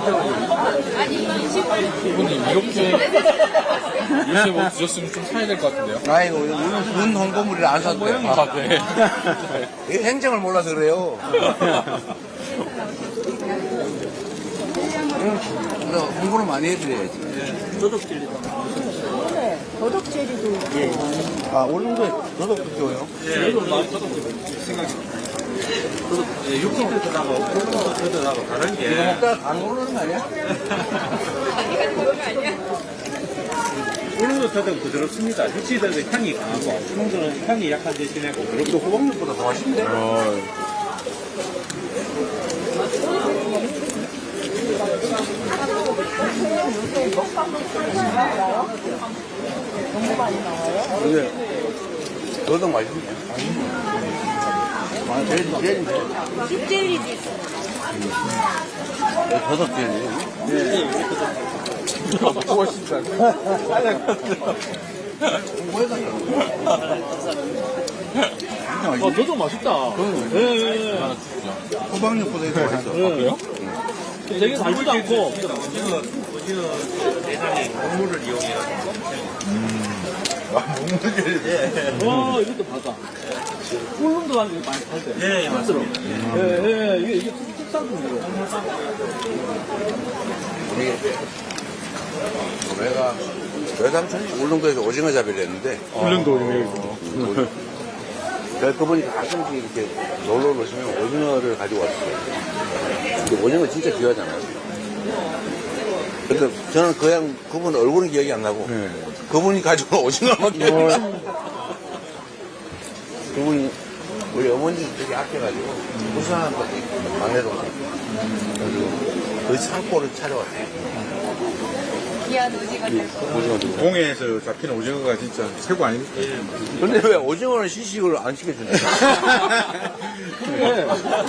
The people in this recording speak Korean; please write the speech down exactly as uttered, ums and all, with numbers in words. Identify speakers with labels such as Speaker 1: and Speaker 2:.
Speaker 1: 이분님 이렇게 이렇게 뭐 드셨으면 좀 사야 될 것 같은데요?
Speaker 2: 아이고, 우리는 군 홍보물이라 안 샀대요.
Speaker 1: 아, 네.
Speaker 2: 이게 행정을 몰라서 그래요. 그래서 홍보를 많이 해드려야지.
Speaker 3: 도덕제리도
Speaker 2: 아, 오늘도 저도 줘요?
Speaker 4: 육즙도 들어가고 콩도 들어가고 다른
Speaker 2: 이거
Speaker 4: 게
Speaker 2: 먹다가 다 모르는 거 아니야?
Speaker 4: 우렁도 더덕 부드럽습니다. 육즙들은 향이 강하고 콩들은 향이 약한 대신에 부드럽고
Speaker 2: 이거 호박잎보다 더 맛있는데? 근데 저도 맛있네. 아, 제일, 제일,
Speaker 3: 씹젤리도 있어.
Speaker 2: 더덕 제일.
Speaker 1: 무엇인가?
Speaker 2: 진짜
Speaker 4: 어, 더덕 맛있다. 예, 예, 예.
Speaker 1: 하나 주시죠.
Speaker 2: 호박잎보다 더 맛있어.
Speaker 1: 그래요?
Speaker 4: 되게 달지도 않고. 오징어, 오징어 대상에 곡물을 이용해서.
Speaker 2: 아, 먹는
Speaker 4: 와, 이것도 봐봐. 꿀rum도 한 게 많이 팔대.
Speaker 2: 예, 예,
Speaker 4: 맞습니다. 예, 예, 이게, 이게 특산품이고.
Speaker 2: 내가 외삼촌이 울릉도에서 오징어 잡이를 했는데
Speaker 1: 훈련도 오징어.
Speaker 2: 그러니까 그분이 가끔씩 이렇게 놀러 오시면 오징어를 가지고 왔어요. 근데 오징어 진짜 귀하잖아요. 근데 저는 그냥 그분 얼굴은 기억이 안 나고 그분이 가지고 온 오징어만 기억이 나요. 그분이 우리 어머니 되게 아껴가지고 부산한 막내 동생 그래가지고 그 산골을 찾아왔어요.
Speaker 3: 귀한 오징어 살
Speaker 1: 공해에서 잡히는 오징어가 진짜 최고 아닙니까?
Speaker 2: 근데 왜 오징어는 시식을 안 시켜주냐?